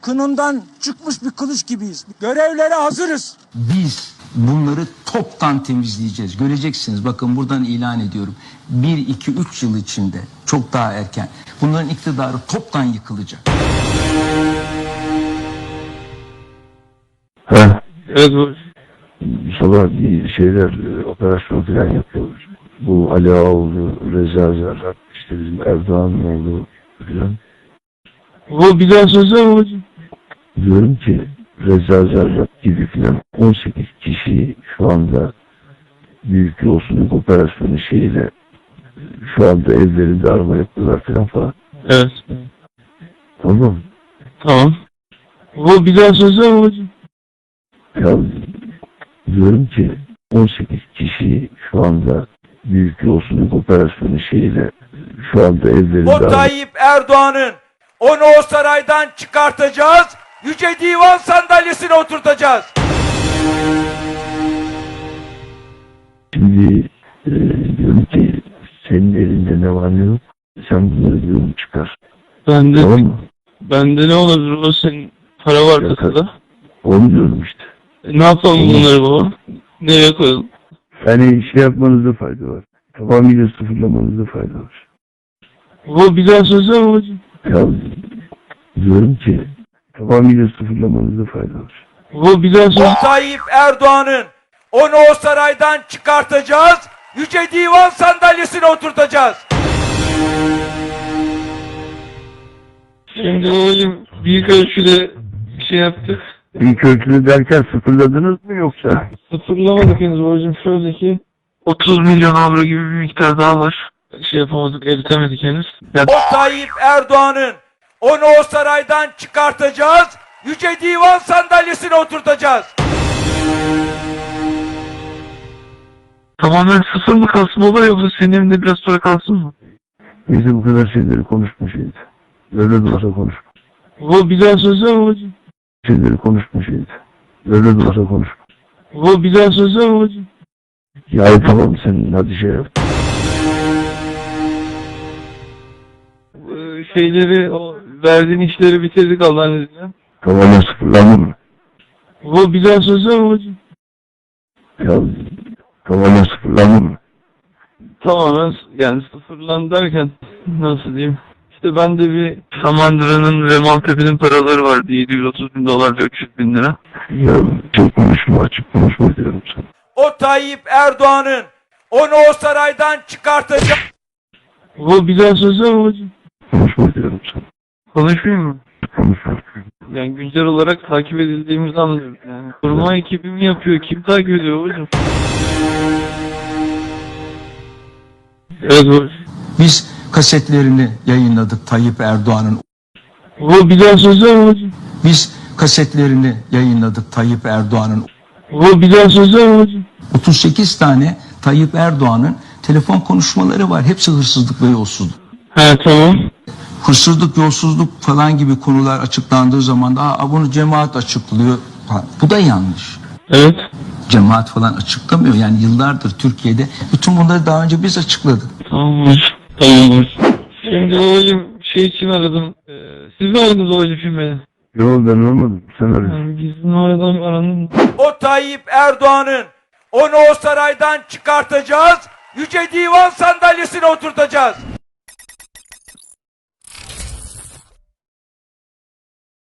kınından çıkmış bir kılıç gibiyiz. Görevlere hazırız. Biz bunları toptan temizleyeceğiz. Göreceksiniz, bakın buradan ilan ediyorum. 1, 2, 3 yıl içinde, çok daha erken, bunların iktidarı toptan yıkılacak. Evet bu. Sabah bir şeyler, operasyon falan yapıyoruz. Bu Ali Ağaoğlu, Reza Zerrak, işte bizim Erdoğan'ın oğlu falan. Bu bir daha söylesene babacığım. Diyorum ki Reza Zerrak gibi falan 18 kişi şu anda büyük yolsuzluk operasyonu şeyiyle şu anda evlerinde arama yapıyorlar falan. Evet. Tamam. Tamam. Bu bir daha söylesene babacığım. Ya diyorum ki 18 kişi şu anda büyük yolsuzluk operasyonu şeyiyle şu anda evlerinde O Tayyip Erdoğan'ın onu o saraydan çıkartacağız. Yüce Divan sandalyesine oturtacağız. Şimdi diyorum ki senin elinde ne var ne yok, sen bunları diyorum çıkar. Bende, Tamam mı? bende ne olabilir o senin para var kasada. Onu diyorum işte. Ne yapalım bunları baba? Nereye koyalım? Yani şey yapmanızda fayda var. Tamamıyla sıfırlamanızda fayda var. Bu bir daha söylesene babacığım. Ya diyorum ki tamamıyla sıfırlamanızda fayda var. Bu bir daha O söylesene. Tayyip Erdoğan'ın onu o saraydan çıkartacağız. Yüce Divan sandalyesine oturtacağız. Şimdi babacığım büyük ölçüde bir şey yaptık. İlk ölçülü derken sıfırladınız mı yoksa? Sıfırlamadık henüz babacığım. Şöyle ki 30 milyon avro gibi bir miktar daha var. Şey yapamadık, eritemedik henüz. Ya, O Tayyip Erdoğan'ın onu o saraydan çıkartacağız. Yüce Divan sandalyesine oturtacağız. tamamen sıfır mı kalsın baba yoksa senin evinde biraz sonra kalsın mı? Neyse bu kadar şeyleri konuşma şeydi. Öyle de olsa konuşma. Bu bir daha söylesene babacığım. Şeyleri konuşma şeydi. Öyle de olsa konuşma. Bu bir daha söylesene babacığım. Ya tamam sen hadi şey yap. Şeyleri, o verdiğin işleri bitirdik Allah'ın izniyle. Tamamen sıfırlandın mı? Bu bir daha söylesene babacığım. Ya tamamen sıfırlandın mı? Tamamen yani sıfırlan derken nasıl diyeyim? İşte ben de bir Samandıra'nın ve Maltepe'nin paraları vardı. 730 bin dolar ve 300 bin lira. Ya çok konuşma, açık konuşma diyorum sana. O Tayyip Erdoğan'ın onu o saraydan çıkartacağız. Bu bir daha söylesene babacığım. Konuşma diyorum sana. Konuşmayayım mı? Konuşma. Yani güncel olarak takip edildiğimizi anlıyoruz yani. Koruma ekibi mi yapıyor? Kim takip ediyor babacığım? Evet babacığım. Biz kasetlerini yayınladık Tayyip Erdoğan'ın. Bu bir daha söylesene babacığım. Biz kasetlerini yayınladık Tayyip Erdoğan'ın. Bu bir daha söylesene babacığım. 38 tane Tayyip Erdoğan'ın telefon konuşmaları var. Hepsi hırsızlık ve yolsuzluk. He tamam. Hırsızlık, yolsuzluk falan gibi konular açıklandığı zaman da bunu cemaat açıklıyor. Bu da yanlış. Evet. Cemaat falan açıklamıyor. Yani yıllardır Türkiye'de bütün bunları daha önce biz açıkladık. Tamam babacığım. Tamam babacığım. Şimdi babacığım şey için aradım. Siz mi aradınız babacığım şimdi beni? Yok ben olmadım. Sen arıyorsun. Yani gizli numaradan arandım. O Tayyip Erdoğan'ın onu o saraydan çıkartacağız. Yüce Divan sandalyesine oturtacağız.